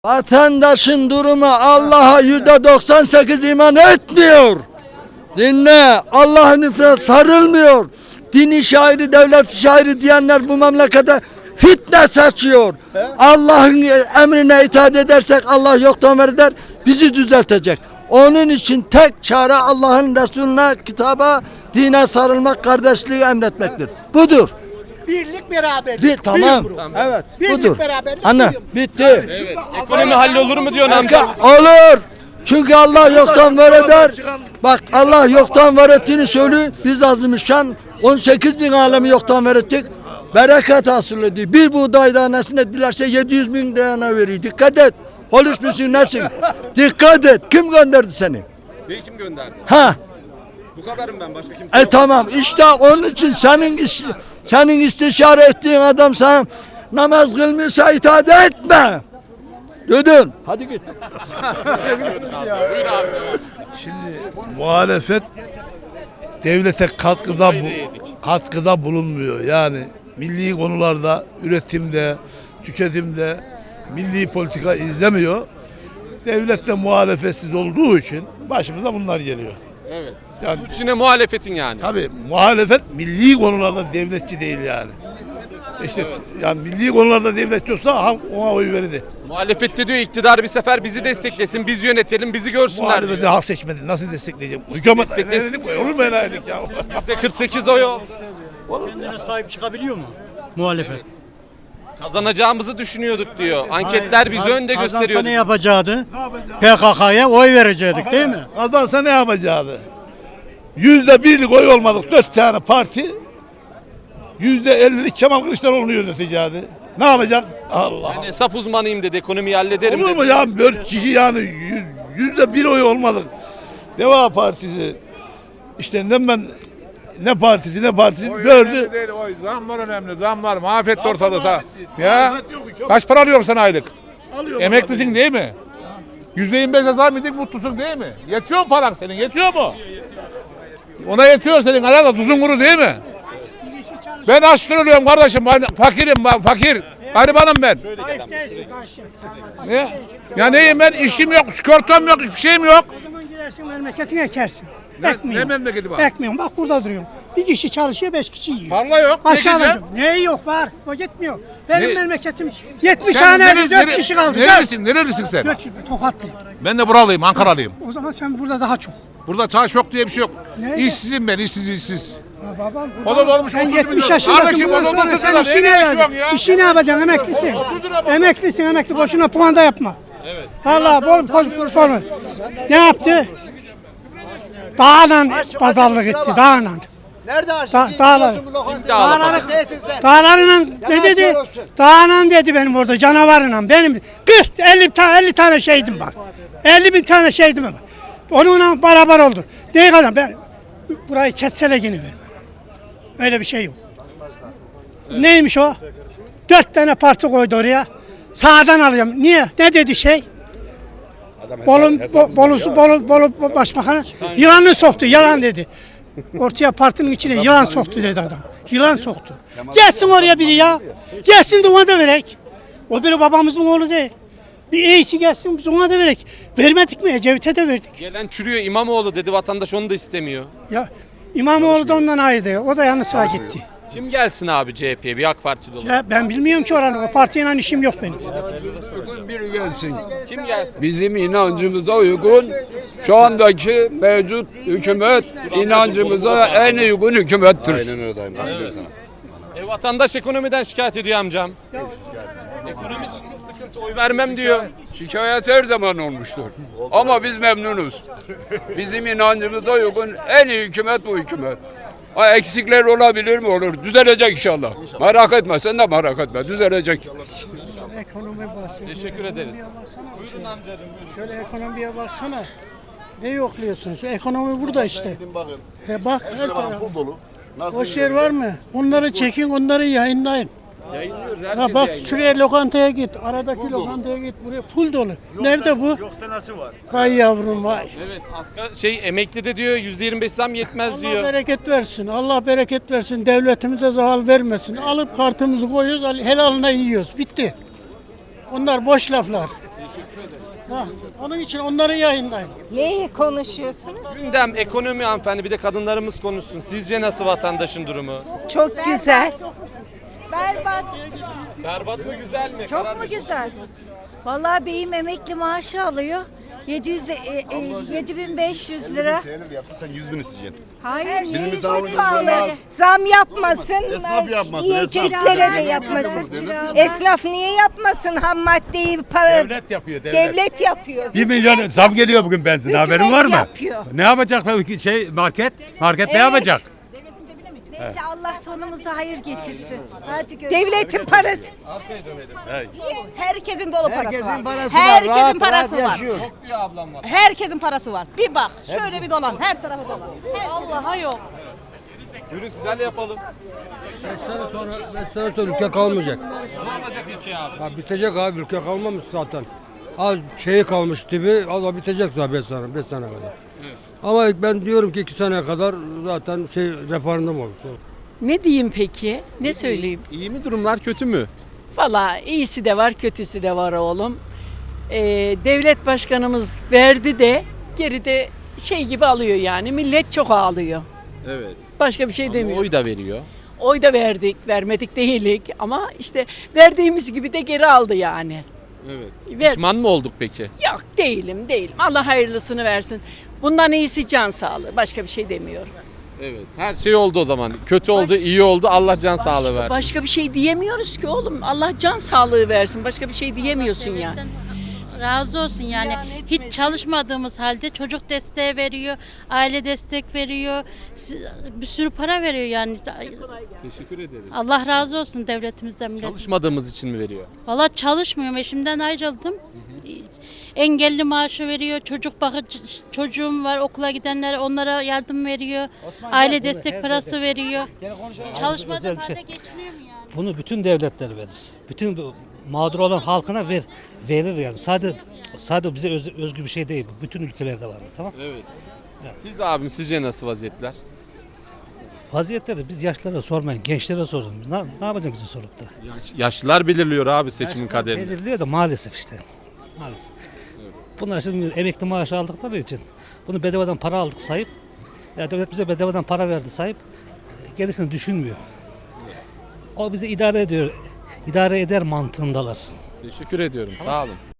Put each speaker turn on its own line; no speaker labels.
Vatandaşın durumu Allah'a %98 iman etmiyor. Dinle, Allah'ın ifrah sarılmıyor. Dini şairi, devlet şairi diyenler bu memlekete fitne saçıyor. Allah'ın emrine itaat edersek Allah yoktan var eder, bizi düzeltecek. Onun için tek çare Allah'ın Resulüne, kitaba, dine sarılmak, kardeşliği emretmektir. Budur.
Birlik beraberlik.
Tamam. Evet.
Birlik
Budur.
beraberlik.
Anne bitti.
Evet. Ekonomi hallolur mu diyorsun amca?
Olur. Çünkü Allah yoktan var eder. Bak Allah yoktan var ettiğini söylüyor. Biz azmışan 18 bin alemi yoktan var ettik. Bereket hasıl ediyor. Bir buğday tanesine dilerse 700 bin tane veriyor. Dikkat et. Polis misin nesin? Dikkat et. Kim gönderdi seni?
Beni kim gönderdi?
Ha?
Bu kadarım ben, başka kimse yok.
Tamam işte onun için senin istişare ettiğin adam sana namaz kılmıyorsa itaat etme. Duydun. Hadi git.
Buyur abi.
Muhalefet devlete katkıda bulunmuyor. Yani milli konularda, üretimde, tüketimde milli politika izlemiyor. Devlet de muhalefetsiz olduğu için başımıza bunlar geliyor.
Evet.
Yani
Suç yine muhalefetin yani.
tabii muhalefet milli konularda devletçi değil yani. İşte yani milli konularda devletçi olsa halk ona oy verirdi.
Muhalefette diyor iktidar bir sefer bizi desteklesin, biz yönetelim, bizi görsünler
Muhalefeti
diyor.
halk seçmedi. Nasıl destekleyeceğim? Hükümet
Desteklesin.
olur mu enayilik ya?
%48 oy oldu.
Kendine sahip çıkabiliyor mu muhalefet?
Kazanacağımızı düşünüyorduk diyor. Anketler bizi önde
Kazansa
gösteriyor.
ne yapacaktı? PKK'ya oy verecektik değil mi?
Kazansa ne yapacaktı? %1'lik oy olmadık 4 tane parti %50'lik Kemal Kılıçdaroğlu'nu yönetecekti. Ne yapacak? Allah.
Ben hesap uzmanıyım dedi, ekonomiyi hallederim
Olur
dedi.
mu ya? 4 kişi yani %1 oy olmadık. Deva Partisi işte ne partisi gördü.
Değil, o zamlar önemli. Zamlar mahvetti ortalığı. Ya kaç para alıyorsun sen aylık? Emeklisin değil mi? %25'e zam yedik, mutlusun değil mi? Yetiyor mu paran senin? Yetiyor mu? Ona yetiyor senin herhalde, tuzun kuru değil mi? Ben açlık ölüyorum kardeşim. Ben fakirim, ben fakir. Garibanım ben. Ne? Ya neyim ben? İşim yok, sigortam yok, hiçbir şeyim yok.
O zaman gidersin memleketine ekersin.
Ne memleketi var?
Ekmiyorum. Bak burada duruyorum. Bir kişi çalışıyor, 5 kişi yiyor.
Tarla yok. Ne
Aşağıda.
diyeceğim?
Ne yok var. O gitmiyor. Benim
Ne?
memleketim 70
Sen
tane 4 kişi kaldı.
Nerelisin sen?
Tokatlı.
Ben de buralıyım, Ankaralıyım.
O zaman sen burada daha çok.
Burada çay yok diye bir şey yok.
Ne?
İşsizim ben, işsiz.
Ya babam.
O da olmuş
Sen
30
70
milyon.
yaşındasın.
Kardeşim,
Bundan
o da
sonra
30
sen
milyon.
işini
Nereye
yapacaksın.
gidiyorsun ya?
İşini yapacaksın. Emeklisin.
30 lira bak.
Emeklisin. Emekli. Boşuna puanda yapma. Evet. Allah bol. Ne yaptı? Dağla pazarlık etti. Dağla.
Nerede
Dağlar. Dağlarla ne dedi? Dağla dedi benim orada canavarla. Benim 50 tane şehidim var. 50 bin tane şehidim var. Onunla beraber oldu. Ne kadar ben burayı kessele yine vermem. Öyle bir şey yok. Neymiş o? 4 tane parti koydu oraya. Sağdan alıyorum. Niye? Ne dedi şey? Bolu Başbakanı yılanı soktu. Yalan dedi. Ortaya partinin içine yılan soktu dedi adam. Yılan soktu. Gelsin oraya biri ya. Gelsin de ona da verek. O biri babamızın oğlu değil. Bir iyisi gelsin biz ona da verek. Vermedik mi? Ecevit'e de verdik.
Gelen çürüyor, İmamoğlu dedi, vatandaş onu da istemiyor.
Ya İmamoğlu da ondan ayrıydı. O da yanı sıra gitti.
Kim gelsin abi CHP'ye, bir AK Partili olarak?
Ya ben bilmiyorum ki oranı. O partiyle işim yok benim.
Biri gelsin.
Kim gelsin?
Bizim inancımıza uygun şu andaki mevcut hükümet inancımıza en uygun hükümettir.
Vatandaş ekonomiden şikayet ediyor amcam. Ekonomi sıkıntı, oy vermem diyor.
Şikayet her zaman olmuştur. Ama biz memnunuz. Bizim inancımıza uygun en iyi hükümet bu hükümet. Ha, eksikler olabilir mi? Olur. Düzelecek inşallah. Merak etme, sen de merak etme. Düzelecek.
Ekonomi bahsediyor.
Teşekkür ederiz. Buyurun amcacığım.
Şöyle ekonomiye baksana. Ne yokluyorsun? Şu ekonomi burada işte. Bak her taraf. Boş yer var mı? Onları çekin, onları yayınlayın.
Yayınlıyoruz.
Ha bak şuraya lokantaya git. Aradaki lokantaya git. Buraya full dolu. Nerede bu?
Yoksa nasıl var?
Vay yavrum vay.
Evet, emekli de diyor %25 zam yetmez
Allah
diyor.
bereket versin. Allah bereket versin. Devletimize zarar vermesin. Alıp kartımızı koyuyoruz, helaline yiyoruz. Bitti. Onlar boş laflar. Onun için onları yayınlayın.
Neyi konuşuyorsunuz?
Gündem, ekonomi hanımefendi, bir de kadınlarımız konuşsun. Sizce nasıl vatandaşın durumu?
Çok güzel. Berbat.
Berbat mı, güzel mi?
Çok mu güzel? Vallahi beyim emekli maaşı alıyor. 7500 lira.
Yapsa sen 100 bin isteyeceksin.
Hayır,
Birimiz
çok
daha ucuz
pahalı.
olmaz.
Zam yapmasın.
Esnaf yapmasın,
Yiyeceklere
esnaf.
de yapmasın.
Devlet mi yapıyor?
Esnaf niye yapmasın ham maddeyi?
Devlet yapıyor,
Devlet yapıyor.
1 milyon zam geliyor bugün benzin. Haberin var mı?
Yapıyor.
Ne yapacak market? Market ne yapacak?
Neyse Allah sonumuza hayır getirsin. Hadi devletin parası.
Herkesin dolu parası var.
parası
Herkesin parası var.
Çok diyor ablam var.
Herkesin parası var. Bir bak, şöyle bir dolan, her tarafı dolan. Allah'a yok.
Buyurun sizlerle yapalım.
5 sene sonra ülke kalmayacak.
Ne olacak ülke abi?
Ha, bitecek abi, ülke kalmamış zaten. Az şeyi kalmış gibi, Allah bitecek zaten 5 sene kadar. Ama ben diyorum ki 2 sene kadar zaten referandum olur.
Ne diyeyim peki? Ne söyleyeyim?
İyi mi durumlar, kötü mü?
Valla iyisi de var, kötüsü de var oğlum. Devlet başkanımız verdi de geride şey gibi alıyor yani. Millet çok ağlıyor.
Evet.
Başka bir şey demiyor.
Oy da veriyor.
Oy da verdik, vermedik değilik ama işte verdiğimiz gibi de geri aldı yani.
Evet.
Ver.
Pişman mı olduk peki?
Yok değilim. Allah hayırlısını versin. Bundan iyisi can sağlığı. Başka bir şey demiyorum.
Evet. Her şey oldu o zaman. Kötü oldu, iyi oldu. Allah can sağlığı versin.
Başka bir şey diyemiyoruz ki oğlum. Allah can sağlığı versin. Başka bir şey diyemiyorsun yani.
Razı olsun yani. Hiç çalışmadığımız halde çocuk desteği veriyor, aile destek veriyor, bir sürü para veriyor yani.
Teşekkür ederiz.
Allah razı olsun devletimizden, milletimizden.
Çalışmadığımız için mi veriyor?
Valla çalışmıyorum, eşimden ayrıldım. Engelli maaşı veriyor, çocuk bakıcı çocuğum var, okula gidenlere onlara yardım veriyor, aile destek parası veriyor. Çalışmadığım halde geçiniyor mu yani?
Bunu bütün devletler verir. Bütün mağdur olan halkına verir yani. Sadece bize özgü bir şey değil. Bu bütün ülkelerde var. Tamam?
Evet. Siz abim, sizce nasıl vaziyetler?
Vaziyetleri biz yaşlılara sormayın, gençlere sorun. Ne yapacak bizi sorup da?
Yaşlılar belirliyor abi seçimin
Yaşlılar
kaderini.
belirliyor da maalesef işte. Maalesef. Bunlar şimdi emekli maaşı aldıkları için bunu bedavadan para aldık sayıp, ya devlet bize bedavadan para verdi sayıp gerisini düşünmüyor. O bizi idare eder mantığındalar.
Teşekkür ediyorum. Sağ olun.